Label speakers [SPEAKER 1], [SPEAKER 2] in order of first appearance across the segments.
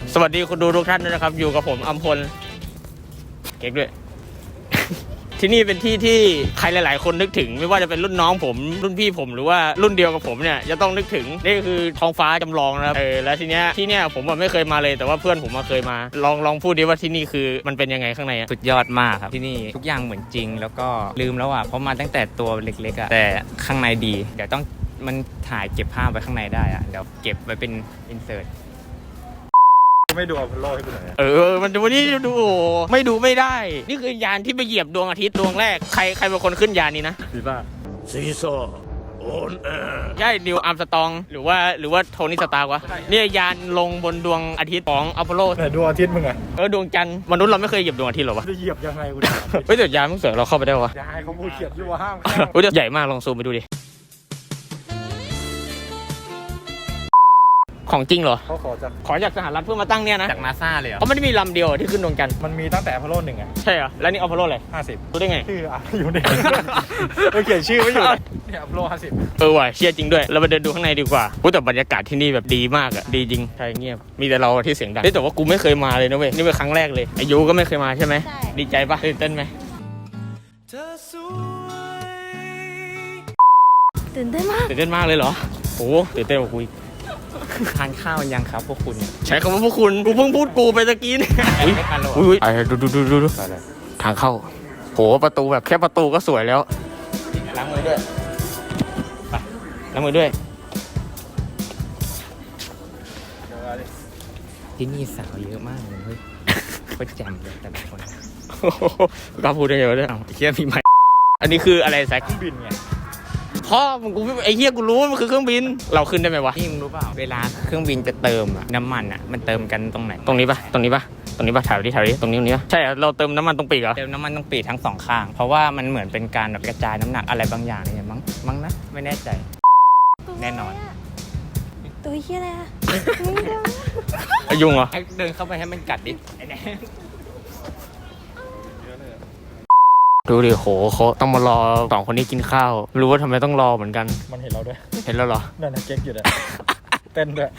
[SPEAKER 1] สวัสดีคุณดูทุกท่านด้วยนะครับอยู่กับผมอัมพลเก๊กด้วย ที่นี่เป็นที่ที่ใครหลายๆคนนึกถึงไม่ว่าจะเป็นรุ่นน้องผมรุ่นพี่ผมหรือว่ารุ่นเดียวกับผมเนี่ยจะต้องนึกถึงนี่คือท้องฟ้าจำลองนะครับแล้วทีเนี้ยผมไม่เคยมาเลยแต่ว่าเพื่อนผมมาเคยมาลองพูดดิว่าที่นี่คือมันเป็นยังไงข้างในอะ
[SPEAKER 2] สุดยอดมากครับที่นี่ทุกอย่างเหมือนจริงแล้วก็ลืมแล้วอ่ะเพราะมาตั้งแต่ตัวเล็กๆอ่ะแต่ข้างในดีเดี๋ยวต้องมันถ่ายเก็บภาพไว้ข้างในได้อ่ะเดี๋ยวเก็บไว้เป็นอินเสิร์ต
[SPEAKER 3] ไม่ดูอพอลโลให้กูหน่อย
[SPEAKER 1] มันวันนี้ดูไม่ดูไม่ได้นี่คือยานที่ไปเหยียบดวงอาทิตย์ดวงแรกใครเป็นคนขึ้นยานนี้นะ
[SPEAKER 3] ซีซ่า
[SPEAKER 1] โอนใช่นิวอาร์มสตองหรือว่าโทนี่สตาร์วะเนี่ยยานลงบนดวงอาทิตย์ของอพอลโล
[SPEAKER 3] แต่ดวงอาทิตย์มึงอะ
[SPEAKER 1] ดวงจันทร์มนุษย์เราไม่เคยเหยียบดวงอาทิตย์หรอวะ
[SPEAKER 3] จะเหยียบยังไงกู
[SPEAKER 1] เฮ้ยแต่ยานมึงเสือเราเข้าไปได้วะ
[SPEAKER 3] ยายเขาพูดเขียนอยู่ว่าห้าม
[SPEAKER 1] ใหญ่มากลองซูมไปดูดิของจริงเหรอ
[SPEAKER 3] เขา
[SPEAKER 1] ขอจากสหรัฐเพื่อมาตั้งเนี่ยนะ
[SPEAKER 2] จากนาซาเลยเหรอ
[SPEAKER 1] เขาไม่ได้มีลำเดียวที่ขึ้นดวงจันทร์
[SPEAKER 3] มันมีตั้งแต่อพอลโล1อ่ะ
[SPEAKER 1] ใช่เหรอแล้วนี่อพอลโลอะไร
[SPEAKER 3] 50
[SPEAKER 1] รู้ได้ไง
[SPEAKER 3] ชื่ออยู่นี่เราเขียนชื่อไว้อยู่เนี่ยอพอลโล50
[SPEAKER 1] ว่ะเชี่ยจริงด้วยเราไปเดินดูข้างในดีกว่าแต่บรรยากาศที่นี่แบบดีมากอ่ะดีจริงใช่เงียบมีแต่เราที่เสียงดังแต่ว่ากูไม่เคยมาเลยนะเว้ยนี่เป็นครั้งแรกเลยอายุก็ไม่เคยมาใช่ไหมดีใจปะตื่นเต้นไหม
[SPEAKER 4] ตื่นเต้นมาก
[SPEAKER 1] เลยเหรอโอ้ตื่นเต้นกว่ากู
[SPEAKER 2] ทานข้าวยังครับพวกคุณ
[SPEAKER 1] ใช้คำว่าพวกคุณกูเพิ่งพูดกูไปตะกี้นี่
[SPEAKER 2] ไม่ทันหรอ
[SPEAKER 1] ดูทางเข้าโหประตูแบบแค่ประตูก็สวยแล้วล้างมือด้วยไปล้างมือด้วย
[SPEAKER 2] ที่นี่สาวเยอะมากเลยเฮ้ยก็แจ่มเลยแต่ละคน
[SPEAKER 1] กล้าพูดได้ไงวะเนี่ยเฮียมีไหมอันนี้คืออะไรแซค
[SPEAKER 3] เครื่องบินไง
[SPEAKER 1] พ่อมึงกูไอ้เหี้ยกูรู้ว่ามันคือเครื่องบินเราขึ้นได้ไหมวะ
[SPEAKER 2] นี่มึงรู้เปล่าเวลาเครื่องบินจะเติมอะน้ำมันอะมันเติมกันตรงไหน
[SPEAKER 1] ตรงนี้ปะถ่ายดิตรงนี้ปะใช่เราเติมน้ำมันตรงปีกเหรอ
[SPEAKER 2] เติมน้ำมันตรงปีกทั้งสองข้างเพราะว่ามันเหมือนเป็นการแบบกระจายน้ำหนักอะไรบางอย่างเนี่ยมั้งนะไม่แน่ใจแน่นอน
[SPEAKER 4] ตัวเหี้ยอะไรอะ
[SPEAKER 1] ยุ่งเหรอ
[SPEAKER 2] เดินเข้าไปให้มันกัดดิ
[SPEAKER 1] ดูดิโหเขาต้องมารอ2คนนี้กินข้าวรู้ว่าทำไมต้องรอเหมือนกัน
[SPEAKER 3] มันเห็นเราด้วย
[SPEAKER 1] เห็นแล้วเหรอ
[SPEAKER 3] นั่นนะเก๊กอยู่เลยเต้นด้วย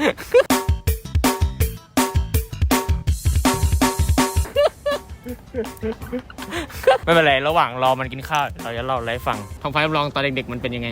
[SPEAKER 1] ไม่เป็นไรระหว่างรอมันกินข้าวเราจะเล่าอะไรฟังท้องฟ้าจำลองตอนเด็กๆมันเป็นยังไง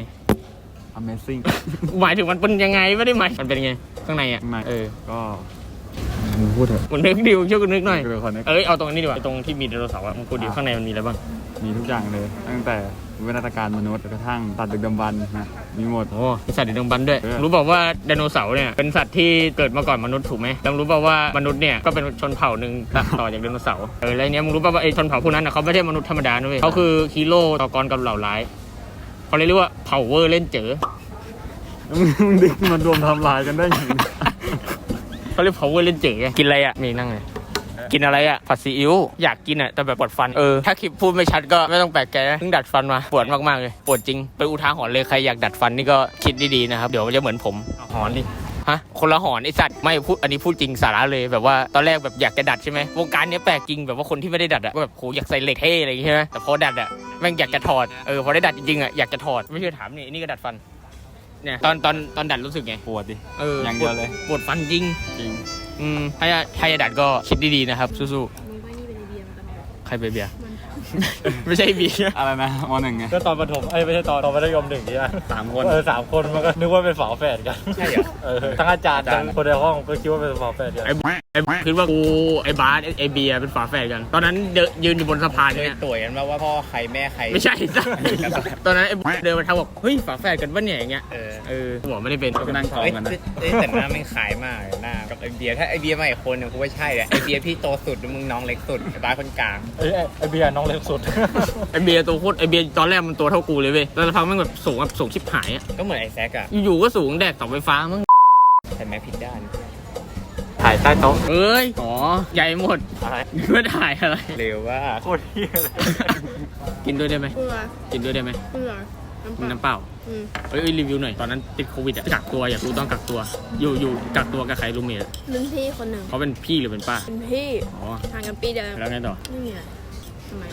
[SPEAKER 3] Amazing
[SPEAKER 1] หมายถึงมันเป็นยังไงไม่ได้หมายมันเป็นยังไงข้างในอ่ะ
[SPEAKER 3] ก็พูดเถอะ
[SPEAKER 1] มันนึกดิวช่วยกูนึกหน่อยเอาตรงนี้ดีกว่าตรงที่มีไดโนเสาร์อ่ะมึงพูดดิข้างในมันมีอะไรบ้าง
[SPEAKER 3] มีทุกอย่างเลยตั้งแต่วิวัฒนาการมนุษย์กระทั่งสัตว์ดึกดำบรรพ์นะมีหมด
[SPEAKER 1] มีสัตว์ดึกดำบรรพ์ด้วยรู้บอกว่าไดโนเสาร์เนี่ยเป็นสัตว์ที่เกิดมาก่อนมนุษย์ถูกไหมแล้วรู้บอกว่ามนุษย์เนี่ยก็เป็นชนเผ่าหนึ่งต่อจากไดโนเสาร์แล้วเนี้ยมึงรู้ป่ะว่าไอ้ชนเผ่าพวกนั้นเขาไม่ใช่มนุษย์ธรรมดาด้วยเขาคือฮีโร่ต่อกรกับเหล่าร้ายเขาเรียกว่าเผ่าเวอร์เล่นเจ๋อ
[SPEAKER 3] มึงดึกมันรวมทำลายกันได้ยังไง
[SPEAKER 1] เขาเรียกเผ่าเวอร์เล่นเจ๋อกินอะไรอ่ะมีนั่งเลยกินอะไรอ่ะผัดซีอิ๊วอยากกินอ่ะแต่แบบปวดฟันถ้าคลิปพูดไม่ชัดก็ไม่ต้องแปลกใจนะเพิ่งดัดฟันมาปวดมากๆเลยปวดจริงไปอุทาหรณ์เลยใครอยากดัดฟันนี่ก็คิดดีๆนะครับเดี๋ยวมันจะเหมือนผม
[SPEAKER 2] หอนดิ
[SPEAKER 1] ฮะคนละหอนไอสัตว์ไม่พูดอันนี้พูดจริงสาระเลยแบบว่าตอนแรกแบบอยากจะดัดใช่ไหมวงการนี้แปลกจริงแบบว่าคนที่ไม่ได้ดัดอ่ะแบบโหอยากใส่เหล็กเท่อะไรอย่างเงี้ยใช่ไหมแต่พอดัดอ่ะแม่งอยากจะถอดพอได้ดัดจริงๆอ่ะอยากจะถอดไม่เชื่อถามนี่ก็ดัดฟันเนี่ยตอนดัดรู้สึกไง
[SPEAKER 3] ปวดดิ
[SPEAKER 1] อย่างเดียวเลยปวดฟันจริงถ้าจะดัดก็คิดดีๆนะครับสู้ๆใครเบียร์ไม่ใช่เบียร์
[SPEAKER 2] อะไรนะม.1ไง
[SPEAKER 3] ก็ตอนประถมไม่ใช่ตอนมัธยม1นี่อ่ะ
[SPEAKER 2] 3 คน
[SPEAKER 3] 3 คนมันก็นึกว่าเป็นฝาแฝดกัน
[SPEAKER 2] ใช่เหรอ
[SPEAKER 3] ทั้งอาจารย์ทั้งคนในห้องก็คิดว่าเป็นฝาแฝดกัน
[SPEAKER 1] ไอ้คิดว่ากูไอ้บาสไอ้เบียร์เป็นฝาแฝดกันตอนนั้นยืนอยู่บนสะพานเนี่ย
[SPEAKER 2] ต่วยกันว่าพ่อใครแม่ใคร
[SPEAKER 1] ไม่ใช่ตอนนั้นไอ้เดินมาทักบอกเฮ้ยฝาแฝดกันวะเนี่ยอย่างเงี้ยบอกไม่ได้เป็น
[SPEAKER 2] ก็นั่งท้องกันนะแต่หน้าไม่ขายมากหน้ากับไอ้เบียร์ถ้าไอ้เบียร์มาอีกคนนึงกูว่าใช่แหละไอ้เบียร์พี่โตสุดมึงน้องเล็กสุดไอ้บาสคนกลาง
[SPEAKER 3] ไอ้เบียร์น้องเล็กสุด
[SPEAKER 1] ไอเบียร์ตัวโคตรไอเบียร์ตอนแรกมันตัวเท่ากูเลยเว้ยแล้วพังมันแบบสูงชิบหายอ่ะ
[SPEAKER 2] ก็เหมือนไอแซกอ่ะ
[SPEAKER 1] อยู่ก็สูงแดกเสาไฟฟ้ามั้ง
[SPEAKER 2] แต่แม้ผิดด้าน
[SPEAKER 1] ถ่ายใต้โต๊ะใหญ่หมด
[SPEAKER 2] อะไร
[SPEAKER 1] ไม่ถ่ายอะไร
[SPEAKER 2] เร็วว่า
[SPEAKER 3] โคตรเฮี้ยเลย
[SPEAKER 1] กินด้วยได้ไหมกินด้วยได้ไหมน้ำเปล่ารีวิวหน่อยตอนนั้นติดโควิดอ่ะกักตัวอยากรู้ต้องกักตัวอยู่กักตัวกับใครรูมเมท
[SPEAKER 4] รุ่นพี่คนหนึ่ง
[SPEAKER 1] เขาเป็นพี่หรือเป็นป้า
[SPEAKER 4] เป็นพี่ห่างกันปีเดียว
[SPEAKER 1] แล้วไงต่อ
[SPEAKER 4] ไม่มีอะไรทำไม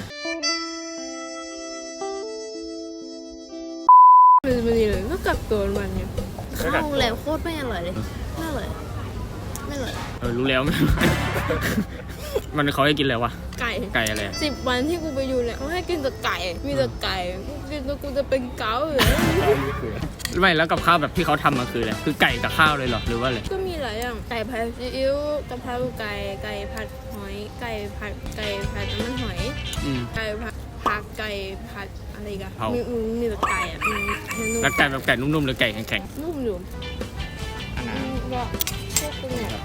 [SPEAKER 4] มันดีเลยก็กักตัวมันอยู่ข้าวโรงแรมโคตรไม่อร่อยเลยน่าอร่อยไม่เลย
[SPEAKER 1] รู้แล้ว มันเขาให้กินอะไรวะ
[SPEAKER 4] ไก่
[SPEAKER 1] ไก่อะไรอะ
[SPEAKER 4] 10 วันที่กูไปอยู่เนี่ยเขาให้กินแต่ไก่ มีแต่ไก่กูกินแล้วกูจะเป็นเกาต์อยู่
[SPEAKER 1] ไม่แล้วกับข้าวแบบที่เขาทำมาคืออะไรคือไก่กับข้าวเลยเหรอหรือว่าอะไร
[SPEAKER 4] ก็มีหลายอย่างไก่ผัดซีอิ๊วกะเพราไก่ไก่ผัดหอยไก่ผัดน้ำมันหอย
[SPEAKER 1] อืม
[SPEAKER 4] ไก่ผัดผักไก่ผัดอะไรอีกัน
[SPEAKER 1] เผา
[SPEAKER 4] มีแต่ไก่อ่ะมันนุ่ม
[SPEAKER 1] แล้วไก่แบบไก่นุ่มๆหรือไก่แข็ง
[SPEAKER 4] นุ่มอยู่
[SPEAKER 2] อันนั้น
[SPEAKER 4] ก็พวกกูเนี่ย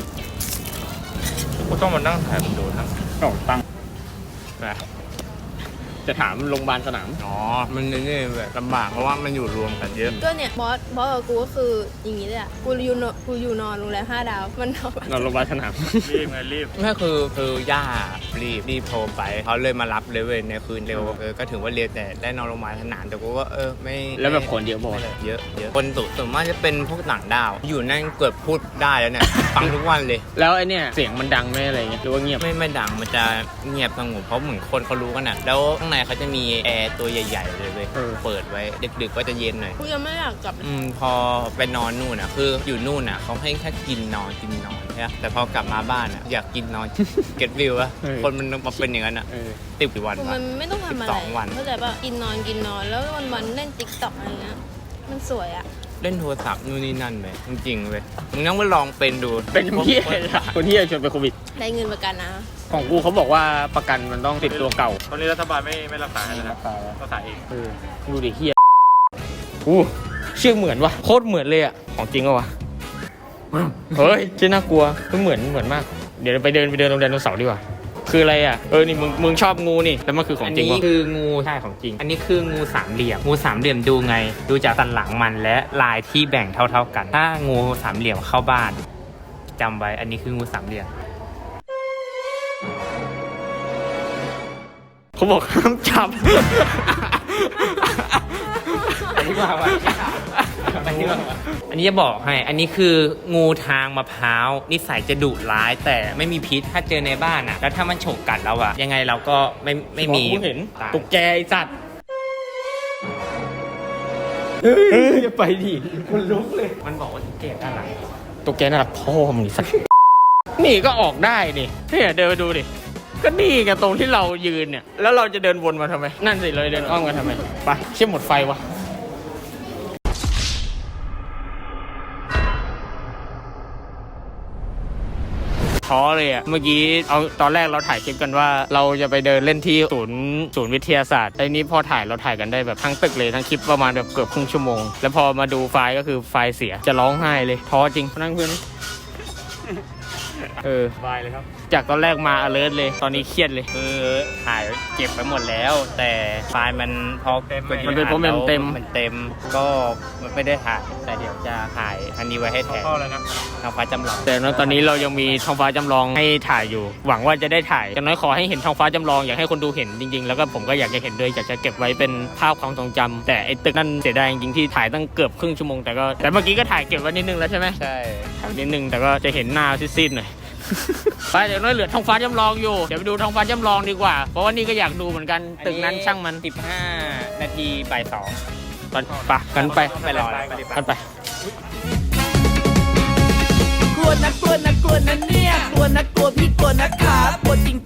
[SPEAKER 2] กูต้องมานั่งถ่ายมันดูทั้ง
[SPEAKER 3] ๆก็ตั้ง
[SPEAKER 2] นะ
[SPEAKER 1] ๆจะถามโรงพยาบาลสนาม
[SPEAKER 2] อ๋อ มันนี่แบบลำบากเพราะว่ามันอยู่รวมกันเยอะ
[SPEAKER 4] ก็เนี่ยบอสกับกูก็คืออย่างนี้เลยอ่ะกูอยู่นอนโรงแรม5 ดาวมันนอน
[SPEAKER 1] นอนโรงพยาบาลสนาม
[SPEAKER 3] รีบไงรีบ
[SPEAKER 2] ไม่คือย่ารีบโทรไปเขาเลยมารับเลยเว้ยในคืนเร็วก็ถือว่าเร็วแต่ได้นอนโรงพยาบาลสนามแต่กูก็ไม่
[SPEAKER 1] แล้วแบบคนเยอะบอก
[SPEAKER 2] ไม่เยอะคนส่วนมากจะเป็นพวกต่างดาว อยู่นั่นเกือบพูดได้แล้วเนี่ย ฟังทุกวันเลย
[SPEAKER 1] แล้วไอเนี่ยเสียงมันดังไหมอะไรเงี้ยหรือว่าเงียบ
[SPEAKER 2] ไม่ดังมันจะเงียบสงบเพราะเหมือนคนเขารู้กันอ่ะแล้วข้างในเขาจะมีแอร์ตัวใหญ่ๆเลยเว้ยเปิดไว้ดึกๆก็จะเย็นหน่อย
[SPEAKER 4] กูยังไม่อยากกลับ
[SPEAKER 2] พอไปนอนนู่นอ่ะคืออยู่นู่นอ่ะเขาให้แค่กินนอนใช่ไหมแต่พอกลับมาบ้านอ่ะอยากกินนอน เก็ตวิวอะคนมันมาเป็นอย่างนั้นอ่ะ10 กี่วัน
[SPEAKER 4] กู
[SPEAKER 2] วะ
[SPEAKER 4] มันไม่ต้องทำอะไร
[SPEAKER 2] 12 วัน
[SPEAKER 4] เข้าใจป่ะกินนอนแล้ววันเล่นติ๊กต็อกอะไรเงี้ยมันสวยอ่ะ
[SPEAKER 2] เล่นโทรศัพท์นู่นนี่นั่นไปจริงๆเว้ยมึงต้องไปลองเป็นดู
[SPEAKER 1] เป็นเหี้ยอะคนที่จะชวนไปโควิด
[SPEAKER 4] ได้เงินประกันนะ
[SPEAKER 1] ของกูเขาบอกว่าประกันมันต้องติดตัวเก่า
[SPEAKER 3] ตอนนี้รัฐบาลไม่รักษาเลยนะรักษาเอง
[SPEAKER 1] ดูดิเฮียอู้ชื่อเหมือนวะโคตรเหมือนเลยอ่ะของจริงเหรอวะเฮ้ยชื่อน่ากลัวเหมือนมากเดี๋ยวไปเดินโรงแรมไดโนเสาร์ดีกว่าคืออะไรอ่ะนี่มึงชอบงูนี่แล้วมันคือของจริง
[SPEAKER 2] อัน
[SPEAKER 1] วะ
[SPEAKER 2] นี้คืองูใช่ของจริง อันนี้คืองูสามเหลี่ยมงูสามเหลี่ยมดูไง ดูจากสันหลังมันและลายที่แบ่งเท่าๆกัน ถ้างูสามเหลี่ยมเข้าบ้านจำไว้อันนี้คืองูสามเหลี่ยม
[SPEAKER 1] เขาบอกห้ามจับ
[SPEAKER 2] อันนี้ว่าอันนี้จะบอกให้ อันนี้คืองูทางมะพร้าวนิสัยจะดุร้ายแต่ไม่มีพิษถ้าเจอในบ้านอ่ะ แล้วถ้ามันฉกกัดเราอ่ะ ยังไงเราก็ไม่มี
[SPEAKER 1] กูเห็น
[SPEAKER 2] ตาย
[SPEAKER 1] ตุ๊กแกไอ้สัตว์เฮ้ยอย่าไปดิคุณลุกเลย
[SPEAKER 2] มันบอกว่าเก็บอะไร
[SPEAKER 1] ตุ๊กแกน่ารักพ่อมึงนี่สัตว์นี่ก็ออกได้นี่เนี่ยเดินไปดูดิก็นี่ไงตรงที่เรายืนเนี่ยแล้วเราจะเดินวนมาทำไมนั่นสิเลยเดินอ้อมกันทำไมไปเชี่ยหมดไฟวะท้อเลยอ่ะเมื่อกี้เอาตอนแรกเราถ่ายคลิปกันว่าเราจะไปเดินเล่นที่ศูนย์วิทยาศาสตร์ไอ้นี้พอถ่ายเราถ่ายกันได้แบบทั้งตึกเลยทั้งคลิปประมาณแบบเกือบครึ่งชั่วโมงแล้วพอมาดูไฟล์ก็คือไฟล์เสียจะร้องไห้เลยท้อจริงนั่งเพื่อน
[SPEAKER 3] สบายเลยครับ
[SPEAKER 1] จากตอนแรกมา alert เลยตอนนี้เครียดเลย
[SPEAKER 2] คือถ่ายเก็บไปหมดแล้ว แต่ไฟล์มันพอ
[SPEAKER 1] มันเป็นเพราะมันเต็ม
[SPEAKER 2] มันเต็มก็มันไม่ได้ถ่ายแต่เดี๋ยวจะถ่ายอันนี้ไว้ให้แทน
[SPEAKER 3] เข้าแล้วนะ
[SPEAKER 2] ทางฟ้าจำลอง
[SPEAKER 1] แต่ตอนนี้เรายังมีท้องฟ้าจำลองให้ถ่ายอยู่ หวังว่าจะได้ถ่ายอย่างน้อยขอให้เห็นท้องฟ้าจำลองอยากให้คนดูเห็นจริงๆแล้วก็ผมก็อยากจะเห็นด้วยอยากจะเก็บไว้เป็นภาพความทรงจำแต่ไอ้ตึกนั่นเสียดายจริงๆที่ถ่ายตั้งเกือบครึ่งชั่วโมงแต่เมื่อกี้ก็ถ่ายเก็บไว้นิดนึงแล้วใช่ไหม
[SPEAKER 2] ใช่
[SPEAKER 1] ถ่ายนิดนึงแต่ก็จะเห็นหน้าซีดๆหน่อย ไปเดี๋ยวน้อยเหลือท้องฟ้าจำลองอยู่เดี๋ยวไปดูท้องฟ้าจำลองดีกว่าเพราะว่านี่ก็อยากดูเหมือนกันตึกนั้นช่างมัน
[SPEAKER 2] 15 นาทีบ่าย 2
[SPEAKER 1] ตอนไปกันไป
[SPEAKER 2] ไปรอแล้ว
[SPEAKER 1] กันไป
[SPEAKER 5] กลัวนะเนี่ยกลัวนะกลัวพี่กลัวนะครับกลัวจ